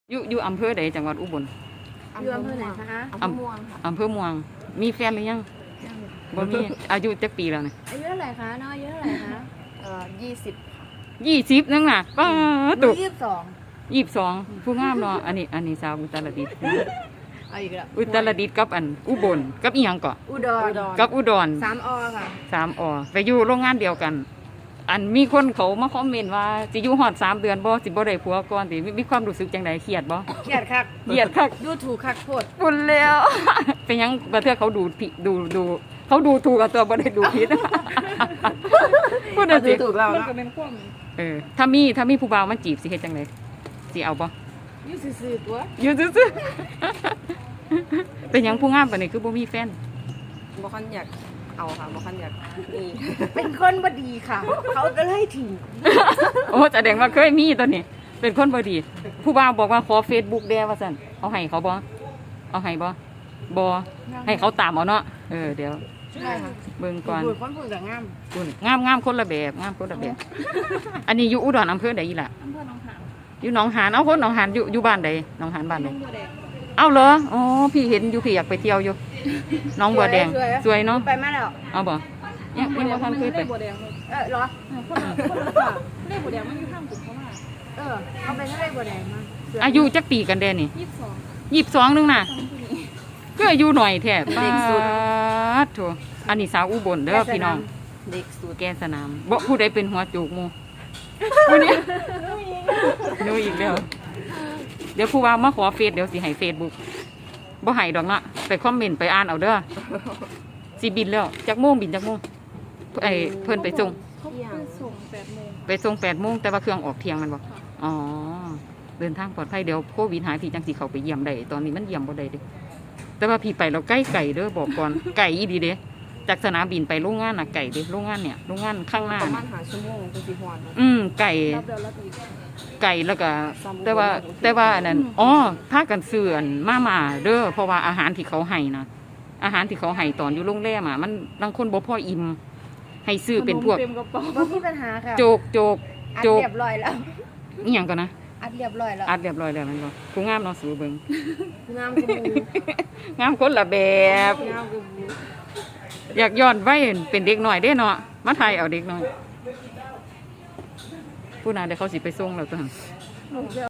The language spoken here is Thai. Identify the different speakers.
Speaker 1: อยู่อำเภอใดจังหวัดอุบล
Speaker 2: อยู่อำเภอไหนคะ
Speaker 1: อำเภอม่วงค่ะอำเภอม่วงมีแฟนหรือยังบ่มีอายุจักปีแล้วเนี่ย
Speaker 2: อายุเท่าไหร่คะน้องอายุเท่าไหร่คะ
Speaker 1: 20นั่งน่ะป้า
Speaker 2: ตุ
Speaker 1: ตุ
Speaker 2: 22
Speaker 1: 22ผู้งามเนาะอันนี้สาวอุตรดิตถ์
Speaker 2: เอาอีกแล้ว
Speaker 1: อุตรดิตถ์กับอันอุบลกับอีหยังเกาะ
Speaker 2: อุดร
Speaker 1: กับอุดร
Speaker 2: 3 อค่ะ
Speaker 1: 3 อไปอยู่โรงงานเดียวกัน อันมีคนเขามาคอมเมนต์ว่าสิอยู่ฮอด3 เดือนบ่สิบ่ได้ผัวก่อนสิมีความรู้สึกจังไดเครียดบ่
Speaker 2: เครียดคัก
Speaker 1: เครียดคัก
Speaker 2: ดูถูกคักโพด
Speaker 1: ปุ่นแล้ว เป็นหยังประเทศเขาดูผิดดูเขาดูถูกกับตัวบ่ได้ดูผิด พูดหน่อยสิ
Speaker 2: ถูกเรา
Speaker 3: มัน
Speaker 2: เนาะ
Speaker 3: ก็เป็นความ
Speaker 1: ถ้ามีผู้บ่าวมาจีบสิเฮ็ดจังไดสิเอาบ่
Speaker 3: อยู่ซื่อๆตัว
Speaker 1: อยู่ซื่อๆ เป็นหยังผู้งามปานนี้คือบ่มีแฟน
Speaker 3: บ่คันอยากเอาค่ะบ่คันอยากมี
Speaker 2: เป็นคนบ่ดีค่ะ เขาก็เลยทิ้ง
Speaker 1: โอ้แสดงว่าเคยมีตัวนี้ เป็นคนบ่ดี ผู้บ่าวบอกว่าขอ Facebook แด่ว่าซั่นเอาให้เขาบ่เอาให้บ่ให้เขาตามเอาเนาะเดี๋ยว
Speaker 2: ใช่ค่ะ
Speaker 1: เบิ่งก่อน
Speaker 2: พูดคนพูดกับงาม
Speaker 1: คุณงามคนละแบบงามคนละแบบ อันนี้อยู่อุดรอำเภอใดอีล่ะ
Speaker 3: อำเภอหนองหาน
Speaker 1: อยู่หนองหานเอาคนหนองหานอยู่บ้านใดหนองหานบ้านใด
Speaker 3: น้องบัวแดง
Speaker 1: เอาเหรออ๋อพี่เห็นอยู่พี่อยากไปเที่ยวอยู่หน้องบัวแดงสวยเนาะ
Speaker 2: ไปมาแล้ว
Speaker 1: เอาบ่ยังบ่ทันเคยไป
Speaker 3: บัวแดงเลย
Speaker 2: เหรอ
Speaker 3: คนละฝากเลขบัวแดงมันอยู่ข้างกลุ่มเขามา
Speaker 2: เอาไปทะเลบัวแดงมา
Speaker 1: อายุจักปีกันแดนี่
Speaker 3: 22
Speaker 1: 22นึงน่ะ
Speaker 3: ทำผู้นี้
Speaker 1: ก็อายุหน่อยแท้ป้าดโถอันนี้สาวอุบลเด้อพี่น้อง
Speaker 3: เด็กสุด
Speaker 1: แกนสนามบ่ผู้ใดเป็นหัวโจกหมู่ผู้นี้หนูอีกแล้วเดี๋ยวผู้ว่ามาขอเฟซเดี๋ยวสิให้ Facebook บ่ให้ดอกเนาะไปคอมเมนต์ไปอ่านเอาเด้อสิบินแล้วจักโมงบินจักโมงเพิ่นไปส่ง
Speaker 3: เขาไปส่ง8 โมง
Speaker 1: ไปส่ง8 โมงแต่ว่าเครื่องออกเที่ยงมันบ่อ๋อเดินทางปลอดภัยเดี๋ยวโควิดหายพี่จังสิเข้าไปเยี่ยมได้ตอนนี้มันเยี่ยมบ่ได้เด้แต่ว่าพี่ไปเราใกล้ไก่เด้อบอกก่อน ไก่อีดีเด้จากสนามบินไปโรงงานน่ะไก่เด้โรงงานเนี่ยโรงงานข้างหน้า
Speaker 3: ประมา
Speaker 1: น่ะ
Speaker 3: ณ5 ชั่วโมงจังสิฮอด
Speaker 1: ไก่
Speaker 3: รับเดือนละตี
Speaker 1: ไก่แล้วก็แต่ว่าอันนั้นอ๋อพากันซื้ออันมาเด้อเพราะว่าอาหารที่เขาให้นะอาหารที่เขาให้ตอนอยู่โรงแรมมันบางคนบ่พออิ่มให้ซื้อเป็นพวก
Speaker 3: เต็มกระเป๋า
Speaker 2: บ่มีปัญหาค่ะ
Speaker 1: โจก
Speaker 2: อัด
Speaker 1: โจก
Speaker 2: เรียบร้อยแล้ว
Speaker 1: อีหยังก่อนนะ
Speaker 2: อัดเรียบร้อยแล้ว
Speaker 1: อัดเรียบร้อยแล้วแมันบ่ผู้งามเนาะสูเบิ่ง
Speaker 2: งามกว่าหมู
Speaker 1: งามคนละแบบ
Speaker 2: งามกว่าหมู
Speaker 1: อยากย้อนไว้เป็นเด็กหน่อยเด้เนาะมาไทยเอาเด็กหน่อยผู้นั้นเดี๋ยวเขาสิไปส่งแล้วตัวหั่น